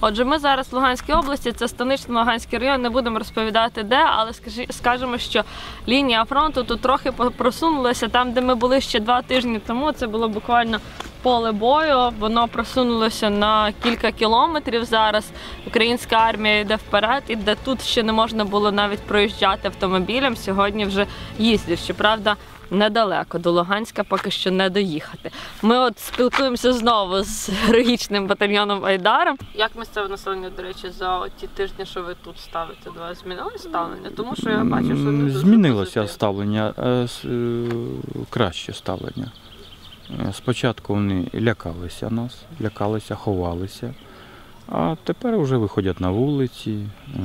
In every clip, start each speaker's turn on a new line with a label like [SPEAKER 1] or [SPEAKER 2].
[SPEAKER 1] Отже, ми зараз в Луганській області, це Станично-Луганський район, не будемо розповідати де, але скажемо, що лінія фронту тут трохи просунулася. Там, де ми були ще 2 тижні тому, це було буквально поле бою, воно просунулося на кілька кілометрів зараз. Українська армія йде вперед, і де тут ще не можна було навіть проїжджати автомобілем, сьогодні вже їздять. Щоправда, недалеко, до Луганська поки що не доїхати. Ми от спілкуємося знову з героїчним батальйоном Айдаром. Як місцеве населення, до речі, за ті тижні, що ви тут ставите, до вас змінилося ставлення? Тому що я бачу, що не дуже
[SPEAKER 2] змінилося
[SPEAKER 1] позитивно.
[SPEAKER 2] ставлення, краще ставлення. Спочатку вони лякалися нас, ховалися, а тепер вже виходять на вулиці,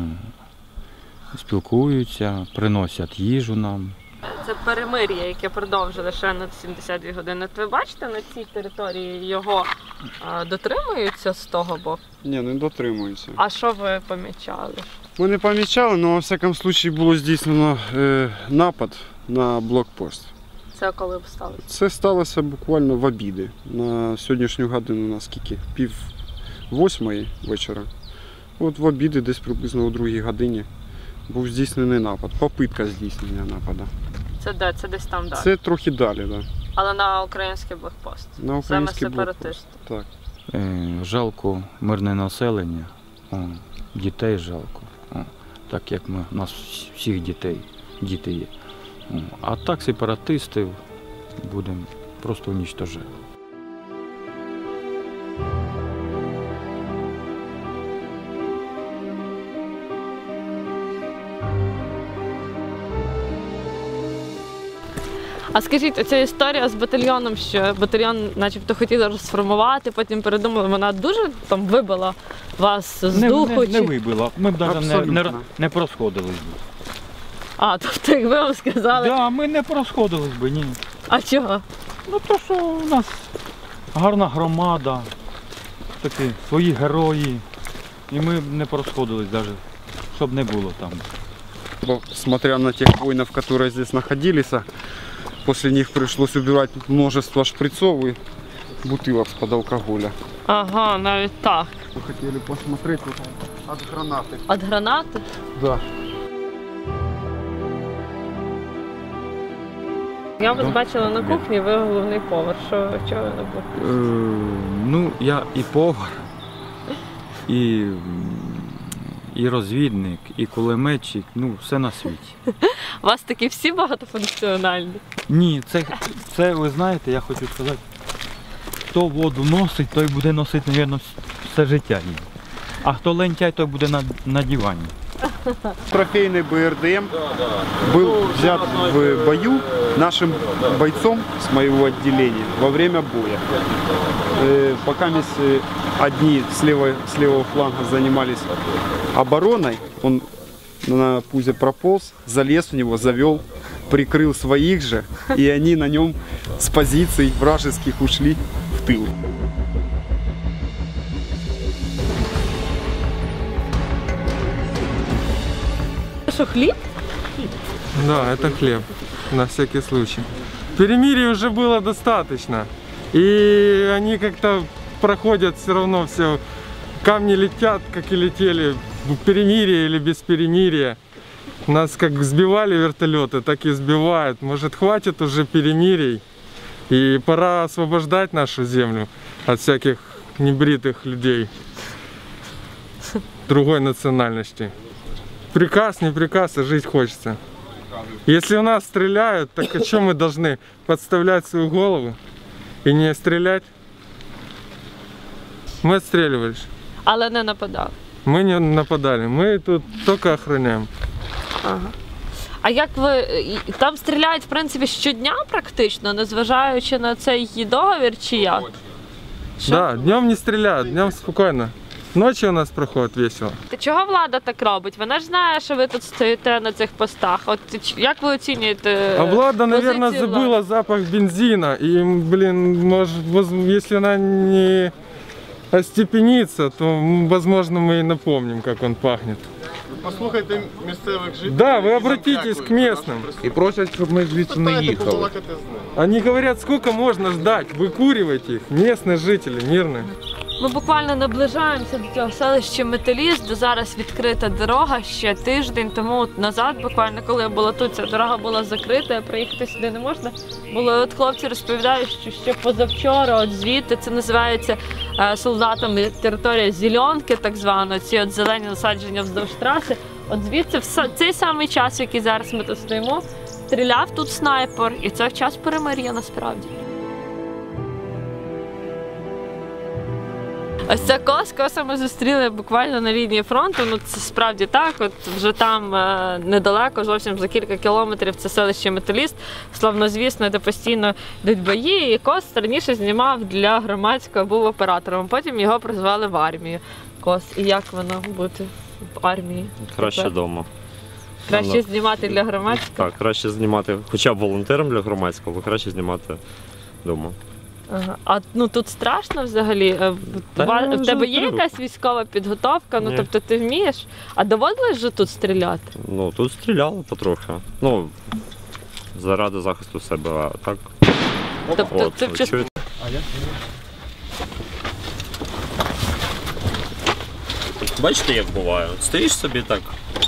[SPEAKER 2] спілкуються, приносять їжу нам.
[SPEAKER 1] Це перемир'я, яке продовжили ще на 72 години. Ви бачите, на цій території його дотримуються з того боку?
[SPEAKER 3] Ні, не дотримуються.
[SPEAKER 1] А що ви помічали?
[SPEAKER 3] Ми не помічали, але, во всякому випадку, було здійснено напад на блокпост.
[SPEAKER 1] Це коли б сталося?
[SPEAKER 3] Це сталося буквально в обіди. На сьогоднішню годину, наскільки? 7:30 вечора. От в обіди, десь приблизно о 2 годині, був здійснений напад. Попитка здійснення нападу.
[SPEAKER 1] Це де? Це десь там далі?
[SPEAKER 3] Це трохи далі, так. Да.
[SPEAKER 1] Але на український блокпост?
[SPEAKER 3] На український блокпост. Так.
[SPEAKER 2] Жалко мирне населення, дітей жалко, так як у нас всіх діти є. А так сепаратистів будемо просто уничтожати.
[SPEAKER 1] А скажіть, оця історія з батальйоном, що батальйон начебто хотіли розформувати, потім передумали, вона дуже там вибила вас з духу?
[SPEAKER 2] Не вибила, ми б навіть не просходились би.
[SPEAKER 1] А, тобто якби вам сказали?
[SPEAKER 2] Так, да, ми не просходились би, ні.
[SPEAKER 1] А чого?
[SPEAKER 2] Ну то, що у нас гарна громада, такі свої герої, і ми б не просходились навіть, щоб не було там.
[SPEAKER 3] Смотря на тех воинов, которые здесь находились, после них пришлось убирать множество шприцов и бутылок из-под алкоголя.
[SPEAKER 1] Ага, навіть так.
[SPEAKER 3] Мы хотели посмотреть вот от гранаты.
[SPEAKER 1] От гранати?
[SPEAKER 3] Да.
[SPEAKER 1] Я вас бачила на кухні, ви головний повар. Чого ви не були?
[SPEAKER 2] Ну, я і повар, і розвідник, і кулеметчик, ну, все на світі.
[SPEAKER 1] У вас такі всі багатофункціональні?
[SPEAKER 2] Ні, це ви знаєте, я хочу сказати, хто воду носить, той буде носити, мабуть, все життя її. А хто лентяй, той буде на дивані.
[SPEAKER 3] Трофейный БРДМ был взят в бою нашим бойцом с моего отделения во время боя. Пока одни с левого фланга занимались обороной, он на пузе прополз, залез в него, завел, прикрыл своих же, и они на нем с позиций вражеских ушли в тыл.
[SPEAKER 1] Що, хліб?
[SPEAKER 4] Да, это хлеб, на всякий случай. Перемирия уже было достаточно, и они как-то проходят все равно, все камни летят, как и летели, в перемирие или без перемирия. Нас как сбивали вертолеты, так и сбивают. Может, хватит уже перемирий, и пора освобождать нашу землю от всяких небритых людей другой национальности. Приказ, не приказ, а жить хочется. Если у нас стреляют, так о чем мы должны? Подставлять свою голову и не стрелять? Мы отстреливались.
[SPEAKER 1] Але не нападали.
[SPEAKER 4] Мы не нападали, мы тут только охраняем.
[SPEAKER 1] Ага. А як ви, там стріляють, в принципі, щодня практично, незважаючи на цей договір, чи як? Що?
[SPEAKER 4] Да, днем не стреляют, днем спокойно. Ночью у нас проходит весело.
[SPEAKER 1] Чого влада так робить? Вона ж знає, що ви тут стоїте на цих постах. От як ви оцінюєте?
[SPEAKER 4] А влада, наверное,
[SPEAKER 1] позицію
[SPEAKER 4] забыла
[SPEAKER 1] влади?
[SPEAKER 4] запах бензина. И, блин, может, если она не остепенится, то, возможно, мы и напомним, как он пахнет.
[SPEAKER 5] Послухайте місцевих жителів.
[SPEAKER 4] Да, вы обратитесь к местным.
[SPEAKER 5] І просять, щоб ми звідси не їхали.
[SPEAKER 4] Они говорят, сколько можно ждать, выкуривать их, местные жители, мирные.
[SPEAKER 1] Ми буквально наближаємося до цього селища Металіст, де зараз відкрита дорога ще тиждень тому от назад, буквально коли я була тут, ця дорога була закрита, приїхати сюди не можна було. От хлопці розповідають, що ще позавчора от звідти, це називається солдатами територія Зеленки, так звано, ці от зелені насадження вздовж траси. От звідси в цей самий час, в який зараз ми тут стоїмо, стріляв тут снайпер, і це в час перемир'я насправді. Ось ця коса ми зустріли буквально на лінії фронту, ну це справді так, от вже там недалеко, зовсім за кілька кілометрів це селище Металіст, славнозвісне, де постійно йдуть бої, і Кос раніше знімав для громадського, був оператором, потім його призвали в армію. Кос, і як воно бути в армії?
[SPEAKER 6] Краще вдома.
[SPEAKER 1] Краще знімати для громадського?
[SPEAKER 6] Так, краще знімати, хоча б волонтером для громадського, але краще знімати вдома.
[SPEAKER 1] Ага. А ну тут страшно взагалі? В тебе є якась військова підготовка? Ну
[SPEAKER 6] Ні.
[SPEAKER 1] тобто ти вмієш? А доводилось же тут стріляти?
[SPEAKER 6] Ну, тут стріляли потрохи. Ну, заради захисту себе, а так.
[SPEAKER 1] Тобто
[SPEAKER 6] От,
[SPEAKER 1] ти в
[SPEAKER 6] чуєте? Бачите, як буває? Стоїш собі так.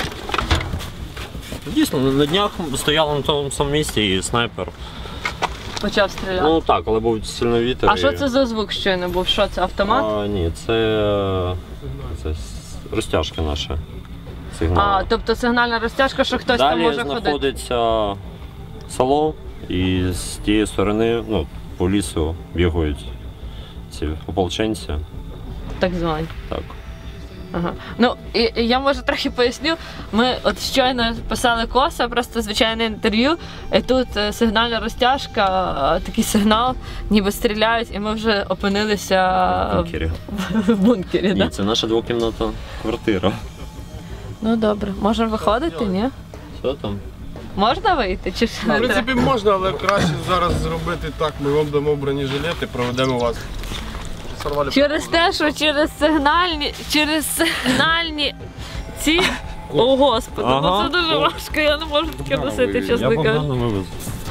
[SPEAKER 6] Дійсно, на днях стояли на тому самому місці і снайпер.
[SPEAKER 1] почав стріляти?
[SPEAKER 6] Ну так, але був сильний вітер.
[SPEAKER 1] А що це за звук щойно був? Що це, автомат?
[SPEAKER 6] Ні, це розтяжки наші. Сигнали.
[SPEAKER 1] Тобто сигнальна розтяжка, що хтось там може
[SPEAKER 6] Далі
[SPEAKER 1] ходити?
[SPEAKER 6] знаходиться село, і з тієї сторони, ну, по лісу бігають ці ополченці.
[SPEAKER 1] Так звані.
[SPEAKER 6] Так.
[SPEAKER 1] Ага. Ну, і я може трохи поясню. Ми от щойно писали Коса, просто звичайне інтерв'ю, і тут сигнальна розтяжка, такий сигнал, ніби стріляють, і ми вже опинилися
[SPEAKER 6] В бункері.
[SPEAKER 1] в бункері.
[SPEAKER 6] Ні,
[SPEAKER 1] Да?
[SPEAKER 6] це наша двокімнатна квартира.
[SPEAKER 1] Ну добре, можемо виходити, ні?
[SPEAKER 6] Що там?
[SPEAKER 1] Можна вийти? Чи ж
[SPEAKER 5] В
[SPEAKER 1] не треба?
[SPEAKER 5] принципі, можна, але краще зараз зробити так. Ми вам дамо бронежилети, проведемо вас. Сорвали
[SPEAKER 1] Через те, що через сигнальні ці. О, Господи, ну
[SPEAKER 6] Ага.
[SPEAKER 1] це дуже важко, я не можу таке носити,
[SPEAKER 6] Я
[SPEAKER 1] чесно кажучи.
[SPEAKER 6] Богдану вивезу.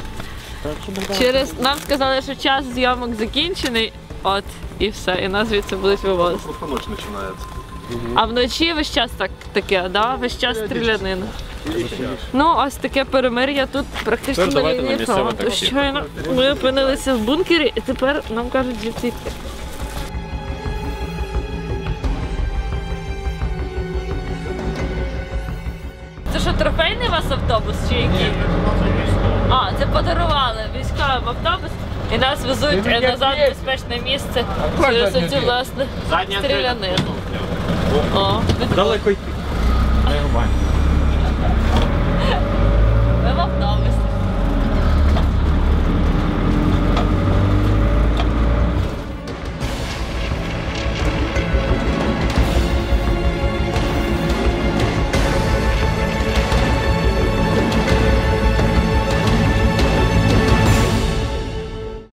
[SPEAKER 1] Нам сказали, що час зйомок закінчений, от, і все, і нас звідси будуть вивозити.
[SPEAKER 5] Просто ніч починається.
[SPEAKER 1] А вночі весь час таке, да? Весь час стрілянина. Ну, ось таке перемир'я тут практично
[SPEAKER 6] Тепер
[SPEAKER 1] на
[SPEAKER 6] давайте на
[SPEAKER 1] лінії
[SPEAKER 6] місцеве
[SPEAKER 1] фронту.
[SPEAKER 6] таксі.
[SPEAKER 1] Щойно ми опинилися в бункері, і тепер нам кажуть звідси йти. Це що, трофейний у вас автобус чи який? А, це подарували військовим автобус і нас везуть назад в безпечне місце через оцю, власне, стрілянину. О,
[SPEAKER 2] Далеко йти. Нормально.